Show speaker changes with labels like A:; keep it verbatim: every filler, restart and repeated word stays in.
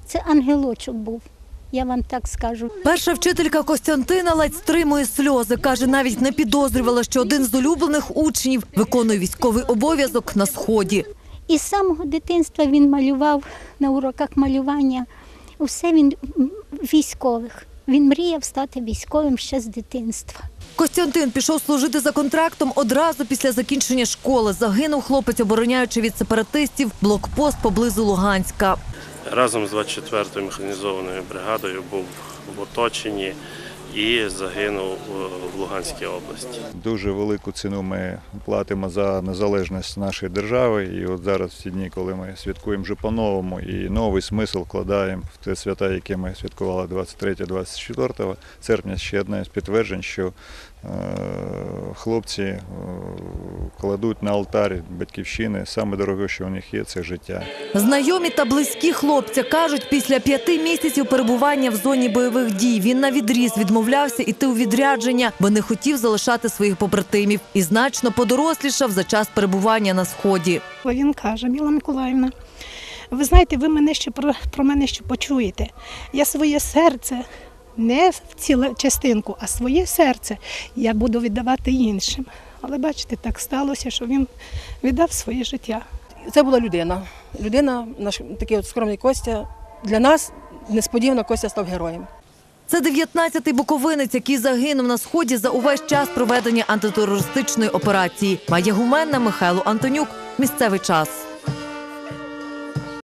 A: Це ангелочок був, я вам так скажу.
B: Перша вчителька Костянтина ледь стримує сльози. Каже, навіть не підозрювала, що один з улюблених учнів виконує військовий обов'язок на Сході.
A: І з самого дитинства він малював на уроках малювання. Усе він військових. Він мріяв стати військовим ще з дитинства.
B: Костянтин пішов служити за контрактом одразу після закінчення школи. Загинув хлопець, обороняючи від сепаратистів блокпост поблизу Луганська.
C: Разом з двадцять четвертою механізованою бригадою був в оточенні і загинув в Луганській області.
D: Дуже велику ціну ми платимо за незалежність нашої держави. І от зараз, в ці дні, коли ми святкуємо вже по-новому і новий смисл вкладаємо в те свята, яке ми святкували двадцять третього - двадцять четвертого серпня, ще одне з підтверджень, що е хлопці е кладуть на алтарі батьківщини. Саме дороге, що у них є, це життя.
B: Знайомі та близькі хлопця кажуть, після п'яти місяців перебування в зоні бойових дій він навідріз відмовлявся йти у відрядження, бо не хотів залишати своїх побратимів. І значно подорослішав за час перебування на Сході.
E: Він каже: Міла Миколаївна, ви знаєте, ви мене ще про, про мене ще почуєте. Я своє серце, не в цілу частинку, а своє серце я буду віддавати іншим. Але бачите, так сталося, що він віддав своє життя.
F: Це була людина. Людина, наш такий от скромний Костя. Для нас несподівано Костя став героєм.
B: Це дев'ятнадцятий буковинець, який загинув на Сході за увесь час проведення антитерористичної операції. Майя Гуменна, Михайло Антонюк. Місцевий час.